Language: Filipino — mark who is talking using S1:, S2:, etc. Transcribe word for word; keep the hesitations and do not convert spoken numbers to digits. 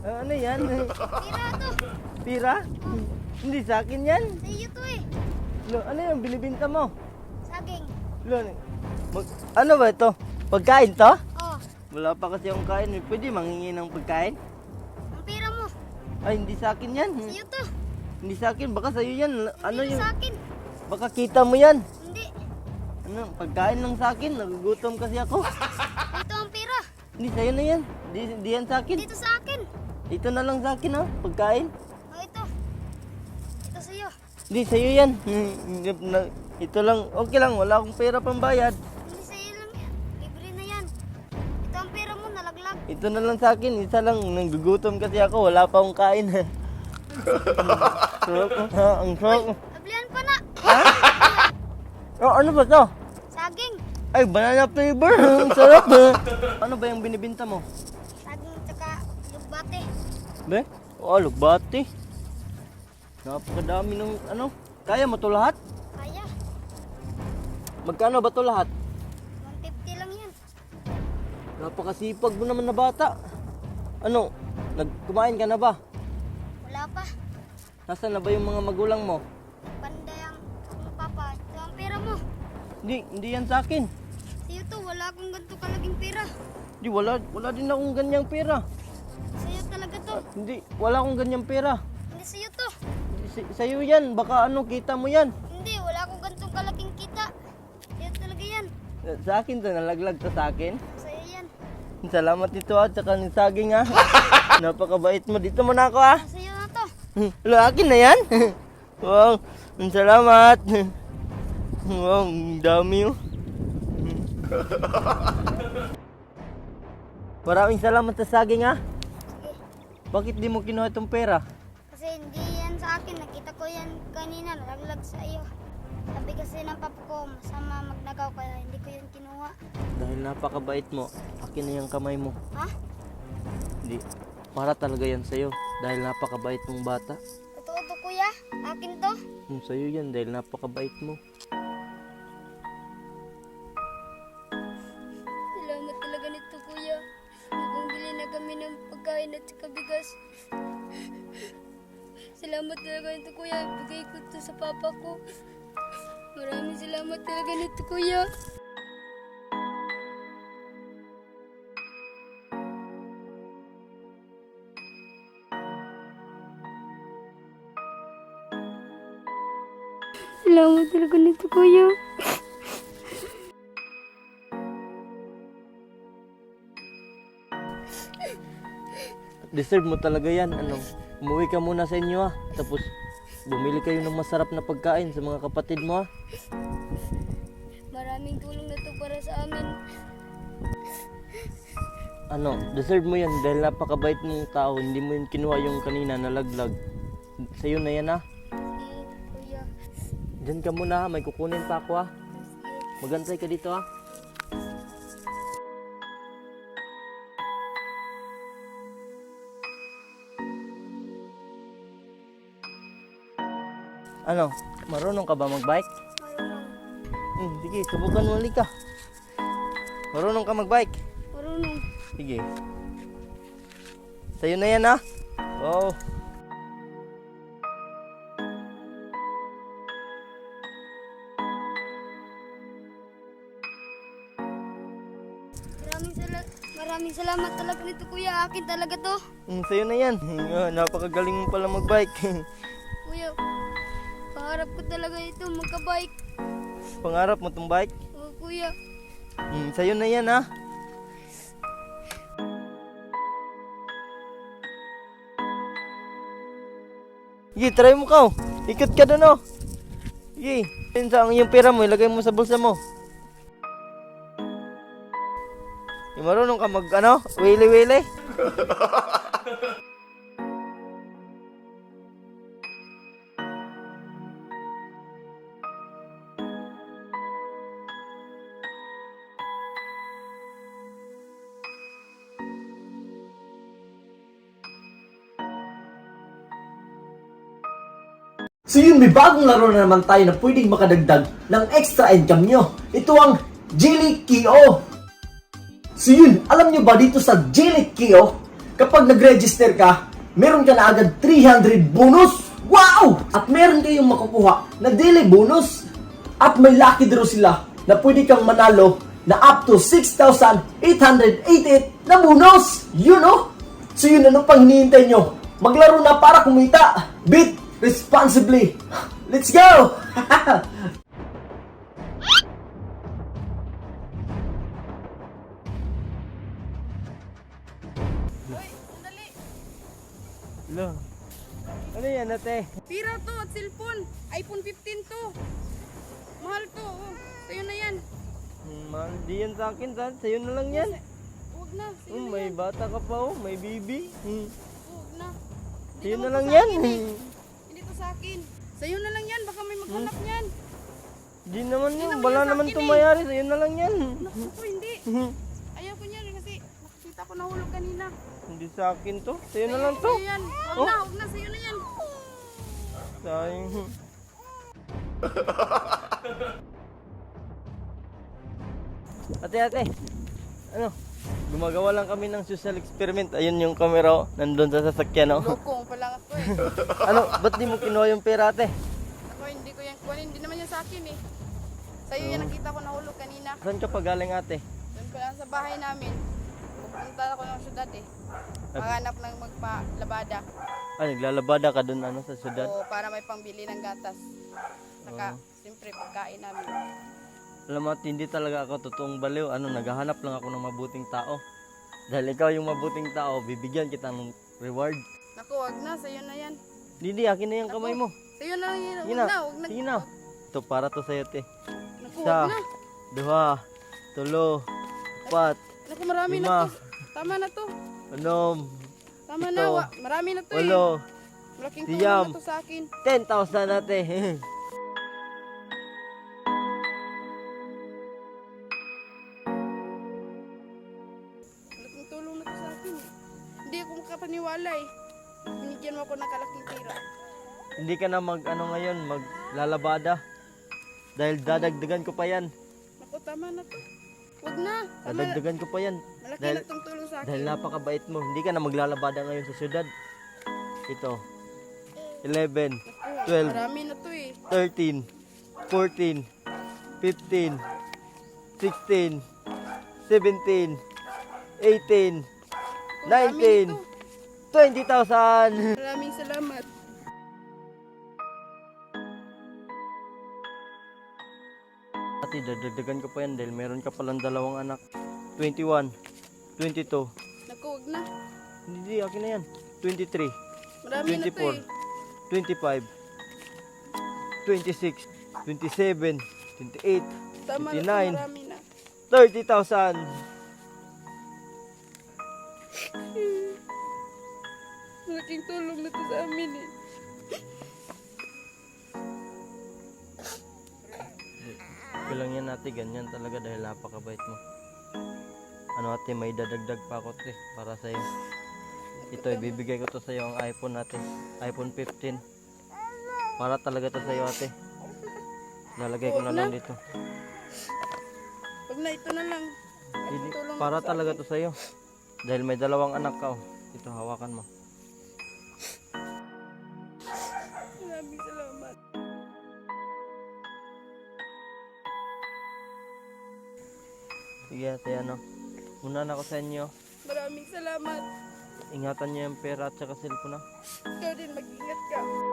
S1: Ah, ano yan?
S2: Pira to.
S1: Pira? Hindi sa akin yan.
S2: Sa iyo to eh.
S1: Lo, ano yung binibinta mo?
S2: Saging.
S1: Lo, mag- ano ba ito? Pagkain to?
S2: Oh,
S1: Wala pa kasi akong kain. eh. Pwede mangingi ng pagkain?
S2: ang pira mo.
S1: Ay, hindi sa akin yan.
S2: Sa iyo to.
S1: Hindi sa akin. Baka sa'yo yan. Ano
S2: Hindi
S1: yung...
S2: sa akin.
S1: Baka kita mo yan.
S2: Hindi.
S1: Ano, pagkain lang sa akin. Nagugutom kasi ako.
S2: Ito ang pira.
S1: Hindi, sa'yo na yan. Di, di yan sa akin.
S2: Dito sa akin.
S1: Ito na lang sa akin, ha? Pagkain.
S2: Oh, ito. Ito sa iyo.
S1: Hindi, sa'yo yan. Hindi, na- Ito lang. Okay lang. Wala akong pera pambayad.
S2: Hindi sa iyo lang yan. Libre na yan. Ito ang pira mo, nalaglag.
S1: Ito na lang sa akin. Isa lang. Nagugutom kasi ako. Wala pa akong kain. Sarap, ha? Ang sarap.
S2: Ablihan pa na.
S1: Oh, ano ba to?
S2: Saging.
S1: Ay, banana flavor. Ang sarap. ha? Ano ba yung binibinta mo?
S2: Saging tsaka lugbate.
S1: Be? Oh, lugbati. Napakadami ng ano. Kaya mo to lahat?
S2: Kaya.
S1: Magkano ba to lahat?
S2: one fifty lang yan.
S1: Napakasipag mo naman na bata. Ano? Nagkumain ka na ba?
S2: Wala pa.
S1: Nasaan na ba yung mga magulang mo?
S2: Panday ang ang papa. Ito ang pera mo.
S1: Hindi, hindi yan sa akin.
S2: Sa iyo to, wala akong ganito kalaging pera.
S1: Hindi, wala, wala din akong ganyang pera.
S2: Sa iyo talaga to.
S1: Hindi, wala akong ganyang pera.
S2: Hindi sa iyo to.
S1: Sa- Sa'yo yan, baka ano, kita mo yan.
S2: Hindi, wala akong ganitong kalaking kita. Sa iyo talaga yan.
S1: Sa akin to, nalaglag to sa akin.
S2: Sa iyo yan.
S1: Salamat dito ha, tsaka ng saging ha. Napakabait mo. Dito mo na ako ha.
S2: Sa iyo na to.
S1: Wala, akin na yan. Wow, ang salamat. Wow, ang dami oh. Maraming salamat sa saging ha.
S2: Sige.
S1: Bakit di mo kinuha itong pera?
S2: Kasi hindi yan sa akin. Nakita ko yan kanina. Nalaglag sa iyo. Sabi kasi ng papa ko, masama magnagaw kaya hindi ko yan kinuha.
S1: Dahil napakabait mo, akin na yung kamay mo.
S2: Ha?
S1: Hindi, para talaga yan sa'yo. Dahil napakabait mong bata.
S2: Totoo to kuya? Akin to?
S1: Hmm, sa'yo yan dahil napakabait mo.
S2: Salamat talaga nito kuya. Nagbili na kami ng pagkain at saka bigas. Salamat talaga nito kuya. Bigay ko to sa papa ko. Maraming salamat talaga nito kuya. Salamat talaga nito kuya.
S1: Deserve mo talaga yan. Ano, umuwi ka muna sa inyo ha. Tapos, bumili kayo ng masarap na pagkain sa mga kapatid mo ha.
S2: Maraming tulong na to para sa amin.
S1: Ano, deserve mo yan dahil napakabait mong tao. Hindi mo yun kinuha yung kanina na laglag. Sa'yo na yan ha.
S2: Sige, kuya.
S1: Diyan ka muna ha. May kukunin pa ako ha.
S2: Sige.
S1: Magantay ka dito ha. Ano, marunong ka ba magbike?
S2: Marunong.
S1: Hmm, sige, subukan mo ulit ka. Marunong ka magbike?
S2: Marunong.
S1: Sige. Sa'yo na yan ha. Wow.
S2: Maraming, sala maraming salamat talaga nito kuya. Akin talaga to.
S1: Hmm, sa'yo na yan. Ah, napakagaling mo pala magbike.
S2: Kuya, pangarap ko talaga ito magka-bike.
S1: Pangarap mo tong bike?
S2: Oo kuya.
S1: Hmm, sa'yo na yan ha. Sige, try mo ka. Ikot ka doon oh. Sige, yun sa yung pera mo, ilagay mo sa bulsa mo. Yung marunong ka mag ano, wili-wili.
S3: So yun, may bagong laro na naman tayo na pwedeng makadagdag ng extra income nyo. Ito ang Jilly Kio. So yun, alam nyo ba dito sa Jilly Kio, kapag nag-register ka, meron ka na agad three hundred bonus! Wow! At meron kayong makukuha na daily bonus. At may lucky draw sila na pwede kang manalo na up to six thousand eight hundred eighty-eight na bonus! You know? So yun, ano pang hinihintay nyo? Maglaro na para kumita. Bet responsibly. Let's go!
S4: Hoy, sandali.
S1: Lo. Ano yan, ate?
S4: Pira to at cellphone. iPhone fifteen to. Mahal to. Oh. Sa'yo na yan.
S1: Hmm, mahal di yan sa akin, sa sa'yo na lang yan.
S4: Huwag na. Sa'yo
S1: Hmm,
S4: na
S1: may
S4: yan.
S1: bata ka pa oh, may baby. Hmm.
S4: Huwag na. Hindi
S1: Sa'yo na
S4: naman to
S1: lang
S4: sa
S1: yan.
S4: akin eh.
S1: Hmm.
S4: Hindi to sa akin. Sa'yo na lang yan. Baka may maghanap niyan.
S1: Di naman
S4: Hindi
S1: yun,
S4: naman
S1: wala
S4: yan sa
S1: naman
S4: akin
S1: to
S4: eh.
S1: mayari, sa'yo na lang yan.
S4: Naku po, hindi.
S1: Hmm.
S4: Ayaw ko niyan kasi nakakita ko nahulog kanina.
S1: Hindi sa akin to, sa'yo na
S4: Sa'yo-
S1: lang to.
S4: Sa'yo yan. Huwag
S1: Oh.
S4: na. Huwag na. Sa'yo na yan.
S1: Sayang. Ate, ate. Ano? Gumagawa lang kami ng social experiment. Ayun yung camera, oh. Nandun sa sasakyan, oh.
S4: Loko pa lang ako eh.
S1: Ano? Ba't di mo kinuha yung pera, ate?
S4: Ako hindi ko yan kunin. Hindi naman yan sa akin eh. Sa'yo yan nakita ko nahulog kanina.
S1: Saan ka pa galing, ate?
S4: Doon ko lang sa bahay namin. Pupunta ako ng syudad eh. Maghanap ng magpalabada.
S1: Ah, naglalabada ka dun, ano, sa syudad?
S4: O para may pangbili ng gatas. Saka,
S1: Oo.
S4: siyempre, pagkain namin.
S1: Alam mo, at hindi talaga ako totoong baliw. Ano, naghahanap lang ako ng mabuting tao. Dahil ikaw yung mabuting tao, bibigyan kita ng reward.
S4: Naku, wag na. Sa'yo na yan.
S1: Didi, akin na yung kamay mo.
S4: Sa'yo na lang yan.
S1: Sige
S4: Wag
S1: na,
S4: na, wag na.
S1: sige na. Ito, para to sa'yo, te.
S4: Naku,
S1: Isa,
S4: wag na.
S1: duha, tulo, apat,
S4: Naku, marami
S1: lima,
S4: na to. Tama na to.
S1: anom,
S4: Tama
S1: ito,
S4: na. Wa- marami na to eh.
S1: walo,
S4: Malaking
S1: siyam.
S4: tulong na to sa akin.
S1: ten thousand ate.
S4: Malaking tulong na to sa akin eh. Hindi ako makapaniwala eh. Binigyan mo ako ng kalaking tira.
S1: Hindi ka na mag, ano ngayon, maglalabada. Dahil dadagdagan ko pa yan.
S4: Naku, tama na to. Wag na. Tama na.
S1: Dadagdagan ko pa yan.
S4: Malaki
S1: Dahil,
S4: na tong tulong sa akin.
S1: dahil napakabait mo. Hindi ka na maglalabada ngayon sa syudad. Ito. eleven,
S4: Naku,
S1: twelve,
S4: marami na to eh.
S1: thirteen, fourteen, fifteen, sixteen, seventeen, eighteen,
S4: Naku,
S1: nineteen,
S4: marami na
S1: twenty thousand.
S4: to. Maraming salamat.
S1: Ate, dadagdagan ko pa yan dahil meron ka palang dalawang anak. twenty-one, twenty-two,
S4: Naku, wag na.
S1: hindi, akin na yan. twenty-three,
S4: Marami
S1: twenty-four,
S4: na to eh.
S1: twenty-five, twenty-six, twenty-seven, twenty-eight,
S4: Tama na to,
S1: twenty-nine,
S4: marami na.
S1: thirty thousand.
S4: Malaking tulong na to sa amin eh.
S1: Okay lang yan ate, ganyan talaga dahil napakabait mo. Ano ate, may dadagdag pa ako ate, para sa'yo. Ito, ibibigay ko to sa'yo ang iPhone natin. iPhone fifteen. Para talaga to sa'yo ate. Lalagay ko na lang dito.
S4: Wag na, ito na lang.
S1: Hindi,
S4: Tulong na
S1: para
S4: to sa
S1: talaga
S4: akin.
S1: to sa'yo. Dahil may dalawang anak ka oh. Ito, hawakan mo.
S4: Maraming salamat.
S1: Sige ate, ano. Muna na ako sa inyo.
S4: Maraming salamat.
S1: Ingatan niyo yung pera at saka cellphone na.
S4: Ikaw din, mag-ingat ka.